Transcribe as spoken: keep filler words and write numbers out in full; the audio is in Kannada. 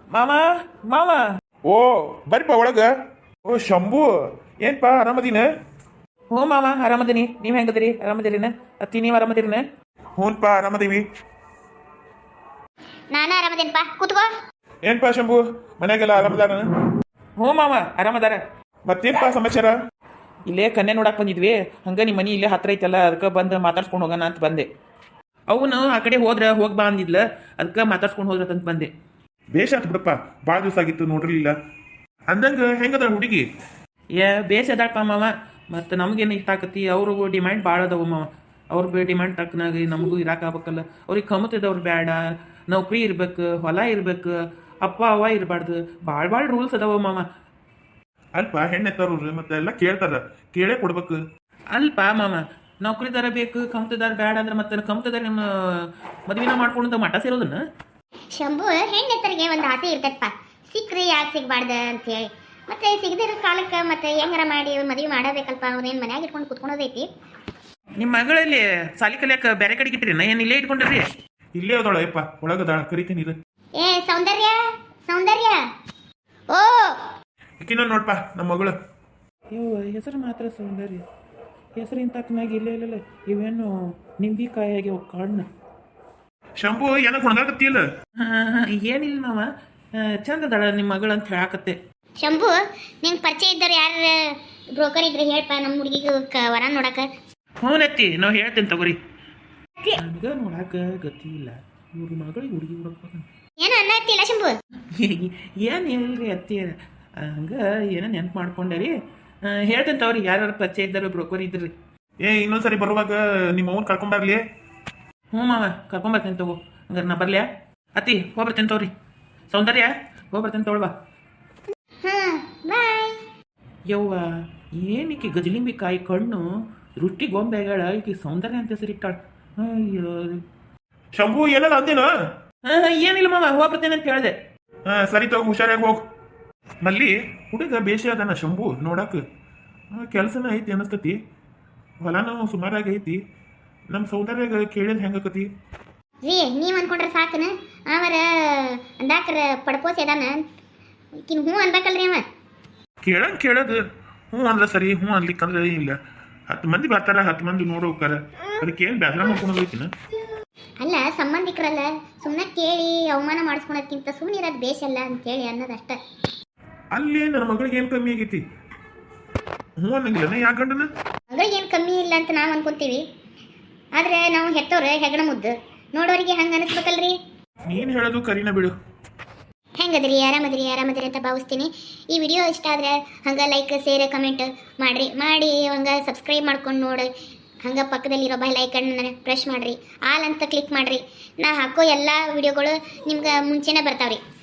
ಮಾಮ ಮಾಮ ಓ ಬರ್ರಿಪ್ಪ ಒಳಗ. ಓ ಶಂಭು, ಏನ್ಪಾ ಆರಾಮದಿನ? ಹ್ಞೂ ಮಾಮ ಆರಾಮದೀನಿ. ನೀವು ಹೆಂಗದಿರಿ? ಆರಾಮದಿರಿನ? ಅತ್ತಿ ನೀವು ಆರಾಮದಿರಿನ? ಹ್ಞೂನ್ಪ ಆರಾಮದೀವಿ. ನಾನು ಆರಾಮದೇನಪ್ಪ, ಕೂತ್ಕೋ. ಏನ್ಪಾ ಶಂಭು, ಮನ್ಯಾಗೆಲ್ಲ ಆರಾಮದಾರ? ಹ್ಞೂ ಮಾಮ ಆರಾಮದಾರ. ಮತ್ತೇನ್ಪಾ ಸಮಾಚಾರ? ಇಲ್ಲೇ ಕನ್ಯೆ ನೋಡಕ್ಕೆ ಬಂದಿದ್ವಿ. ಹಂಗೆ ನಿಮ್ಮ ಮನೆ ಇಲ್ಲೇ ಹತ್ರ ಐತಲ್ಲ, ಅದಕ್ಕೆ ಬಂದು ಮಾತಾಡ್ಸ್ಕೊಂಡು ಹೋಗೋಣ ಅಂತ ಬಂದೆ. ಅವನು ಆ ಕಡೆ ಹೋದ್ರೆ ಹೋಗಿ ಬಾ ಅಂದಿದ್ಲ, ಅದಕ್ಕೆ ಮಾತಾಡ್ಸ್ಕೊಂಡು ಹೋದ್ರ ಅಂತ ಬಂದೆ. ಬೇಷ ಆತ್ ಬಿಡಪ್ಪ, ಭಾಳ ದಿವಸ ಆಗಿತ್ತು ನೋಡಿರ್ಲಿಲ್ಲ. ಅಂದಂಗ ಹೆಂಗದ ಹುಡುಗಿ? ಏ ಬೇಸ್ ಅದಾಳಪ್ಪ ಮಾವ. ಮತ್ತು ನಮಗೇನು ಇಷ್ಟ ಆಕತಿ, ಅವ್ರಿಗೂ ಡಿಮ್ಯಾಂಡ್ ಭಾಳ ಅದಾವ ಮಾವ. ಅವ್ರ ಬೇ ಡಿಮ್ಯಾಂಡ್ ತಕ್ಕನಾಗಿ ನಮಗೂ ಇರಾಕಾಗಬೇಕಲ್ಲ. ಅವ್ರಿಗೆ ಕಮತಿದವ್ರು ಬೇಡ, ನೌಕರಿ ಇರ್ಬೇಕು, ಹೊಲ ಇರ್ಬೇಕು, ಅಪ್ಪ ಅವ್ವ ಇರಬಾರ್ದು, ಭಾಳ ಭಾಳ ರೂಲ್ಸ್ ಅದಾವ ಮಾವ. ಅಲ್ಪ ಹೆಣ್ಣೆತ್ತವ್ರು ಮತ್ತೆ ಎಲ್ಲ ಕೇಳ್ತಾರ, ಕೇಳೇ ಕೊಡ್ಬೇಕು. ಅಲ್ಪ ಮಾಮ, ನೌಕರಿದಾರ ಬೇಕು, ಕಮ್ತದಾರ ಬೇಡ ಅಂದ್ರೆ ಮತ್ತೆ ಕಮ್ತದಾರ ನಿಮ್ಮ ಮದುವೆನ ಮಾಡ್ಕೊಂಡು ಮಠ ಸೇರೋದನ್ನ. ಶಂಭು, ಹೆಣ್ಣೆತ್ತರಿಗೆ ಒಂದು ಆಸೆ ಇರ್ತೈತಪ್ಪ, ಸಿಕ್ಕ್ರಿ ಯಾಕೆ ಸಿಗ್ಬಾರ್ದ ಅಂತೇಳಿ. ಮತ್ತೆ ಸಿಗದಿರೋ ಕಾಲಕ್ಕೆ ಮತ್ತೆ ಹೆಂಗಾರ ಮಾಡಿ ಮದುವೆ ಮಾಡಬೇಕಲ್ಪ. ಅವ್ನೇನು ಮನ್ಯಾಗ ಇಟ್ಕೊಂಡು ಕುತ್ಕೊಳೋದೈತಿ. ನಿಮ್ಮ ಮಗಳಲ್ಲಿ ಸಾಲಿ ಕಲಿಯಕ್ಕೆ ಬೇರೆ ಕಡೆಗೆ ಇಟ್ರಿ ನಾ ಏನು ಇಲ್ಲೇ ಇಟ್ಕೊಂಡ್ರಿ? ಇಲ್ಲೇ ಅದಳ ಯಪ್ಪ, ಒಳಗದಾಳ, ಕರಿತೀನಿ ಇರು. ಏ ಸೌಂದರ್ಯ, ಸೌಂದರ್ಯ, ಓ ಈಕಿನ ನೋಡ್ಪಾ ನಮ್ಮ ಮಗಳು. ಇವು ಹೆಸರು ಮಾತ್ರ ಸೌಂದರ್ಯ, ಹೆಸರಿನ ತಕ್ಕನಾಗಿ ಇಲ್ಲೇ ಇಲ್ಲ. ಇವೇನು ನಿಂಬಿಕಾಯಿಗೆ ಕಣ್ಣು. ಶಂಭು ಏನ ಹೊಣಗಾಕತ್ತಿಲ್ಲ? ಏನಿಲ್ಲ ಮಾವ, ಚಂದ ಅದಾಳ ನಿಮ್ಮ ಮಗಳು ಅಂತ ಹೇಳಾಕತ್ತೆ. ಶಂಭು, ನಿಂಗೆ ಪರಿಚಯ ಇದ್ದಾರೆ ಯಾರು ಬ್ರೋಕರ್ ಇದ್ರೆ ಹೇಳ್ಪ, ನಮ್ಮ ಹುಡುಗಿಗೆ ವರ ನೋಡಕ. ಹ್ಞೂ ನತ್ತಿ, ನಾವು ಹೇಳ್ತೇನೆ ತಗೋರಿ. ನನಗೆ ನೋಡಾಕ ಗತಿ ಇಲ್ಲ, ಇವ್ರ ಮಗಳಿಗೆ ಹುಡುಗಿ ಹುಡುಕ್ಬೇಕಂತ. ಏನು ಅನ್ನತ್ತಿಲ್ಲ ಶಂಭು? ಏನು ಇಲ್ರಿ ಅತ್ತಿ, ಹಂಗೆ ಏನೋ ನೆನ್ಪು ಮಾಡ್ಕೊಂಡೆ ರೀ. ಹೇಳ್ತೇನೆ ತಗೋರಿ, ಯಾರು ಪರಿಚಯ ಇದ್ದಾರೆ ಬ್ರೋಕರ್ ಇದ್ರಿ. ಏ ಇನ್ನೊಂದ್ಸರಿ ಬರುವಾಗ ನಿಮ್ಮ ಅವ್ನ ಕರ್ಕೊಂಬರ್ಲಿ. ಹ್ಞೂ ಮಾವ ಕರ್ಕೊಂಬರ್ತೇನೆ ತಗೋ. ಹಂಗಾರೆ ನಾ ಬರ್ಲ್ಯಾ ಅತ್ತಿ? ಹೋಗ್ಬರ್ತೇನೆ ತಗೋರಿ. ಸೌಂದರ್ಯ ಹೋಗ್ಬರ್ತೇನೆ ತಗೊಳ್ಬಾ. ಹಾಂ ಬಾಯ್. ಯವ್ವ, ಏನಕ್ಕೆ ಗಜಲಿಂಬಿ ಕಾಯಿ ಕಣ್ಣು ರುಟ್ಟಿ ಗೊಂಬೆಗಳ ಈಕೆ ಸೌಂದರ್ಯ ಅಂತ ಹೆಸರಿಟ್ಟಾಳ. ಅಯ್ಯೋ ಶಂಭು ಏನಲ್ಲ ಅಂದೇನ? ಹಾಂ ಏನಿಲ್ಲ ಮಾವ, ಹೋಗ್ಬರ್ತೇನೆ ಅಂತ ಹೇಳಿದೆ. ಹಾ ಸರಿ ತಗೋ, ಹುಷಾರಾಗಿ ಹೋಗು. ಮಲ್ಲಿ ಹುಡುಗ ಬೇಷ ಅದಾನ ಶಂಭು ನೋಡಕ್. ಕೆಲಸನ ಐತಿ ಅನಸ್ತತಿ, ಹೊಲನೂ ಸುಮಾರಾಗಿ ಐತಿ. ನಮ್ಮ ಸೌಂದರ್ಯಾಗ ಕೇಳಿದ್ ಹೆಂಗಕತಿ? ರೀ ನೀವು ಅನ್ಕೊಂಡ್ರೆ ಸಾಕನ, ಅವರ ಅಂದಾಕರ ಪಡ್ಪೋಸ್ ಅದಾನ, ಈಕಿನ ಹ್ಞೂ ಅನ್ಬೇಕಲ್ರಿ ಅವ. ಕೇಳಂಗ್ ಕೇಳೋದು ಹ್ಞೂ ಅಂದ್ರೆ ಸರಿ, ಹ್ಞೂ ಅನ್ಲಿಕ್ಕಂದ್ರೆ ಇಲ್ಲ. ಹತ್ತು ಮಂದಿ ಬರ್ತಾರ, ಹತ್ತು ಮಂದಿ ನೋಡ್ ಹೋಗ್ತಾರ, ಅದಕ್ಕೆ ಏನು ಬೇಸರ ಮಾಡ್ಕೊಳೋದೈತಿನ? ಅಲ್ಲ ಸಂಬಂಧಿಕರಲ್ಲ, ಸುಮ್ಮನೆ ಕೇಳಿ ಅವಮಾನ ಮಾಡಿಸ್ಕೊಳೋದ್ಕಿಂತ ಸುಮ್ಮನೆ ಇರೋದು ಬೇಷಲ್ಲ ಅಂತೇಳಿ ಅನ್ನೋದಷ್ಟ. ಅಲ್ಲಿ ನನ್ನ ಮಗಳಿಗೆ ಏನು ಕಮ್ಮಿ ಆಗೈತಿ? ಹ್ಞೂ ಅನ್ನಂಗಿಲ್ಲ ಯಾಕೆ ಗಂಡನ? ಮಗಳಿಗೆ ಏನು ಕಮ್ಮಿ ಇಲ್ಲ ಅಂತ ನಾವು ಅನ್ಕೊಂತೀವಿ, ಆದ್ರೆ ನಾವು ಹೆತ್ತವ್ರೆ ಹೆಗಣ ಮುದ್ದು, ನೋಡೋರಿಗೆ ಹಂಗೆ ಅನಿಸ್ಬೇಕಲ್ರಿ. ನೀನು ಹೇಳೋದು ಕರಿನ ಬಿಡು. ಹೆಂಗದ್ರಿ? ಆರಾಮದ್ರಿ? ಆರಾಮದ್ರಿ ಅಂತ ಭಾವಿಸ್ತೀನಿ. ಈ ವಿಡಿಯೋ ಇಷ್ಟ ಆದರೆ ಹಂಗೆ ಲೈಕ್, ಶೇರ್, ಕಮೆಂಟ್ ಮಾಡಿರಿ. ಮಾಡಿ ಹಂಗೆ ಸಬ್ಸ್ಕ್ರೈಬ್ ಮಾಡ್ಕೊಂಡು ನೋಡಿ, ಹಂಗೆ ಪಕ್ಕದಲ್ಲಿರೋ ಬೈ ಲೈಕನ್ನು ಪ್ರೆಸ್ ಮಾಡಿರಿ, ಆಲ್ ಅಂತ ಕ್ಲಿಕ್ ಮಾಡಿರಿ. ನಾ ಹಾಕೋ ಎಲ್ಲ ವಿಡಿಯೋಗಳು ನಿಮ್ಗೆ ಮುಂಚೆನೇ ಬರ್ತಾವ್ರಿ.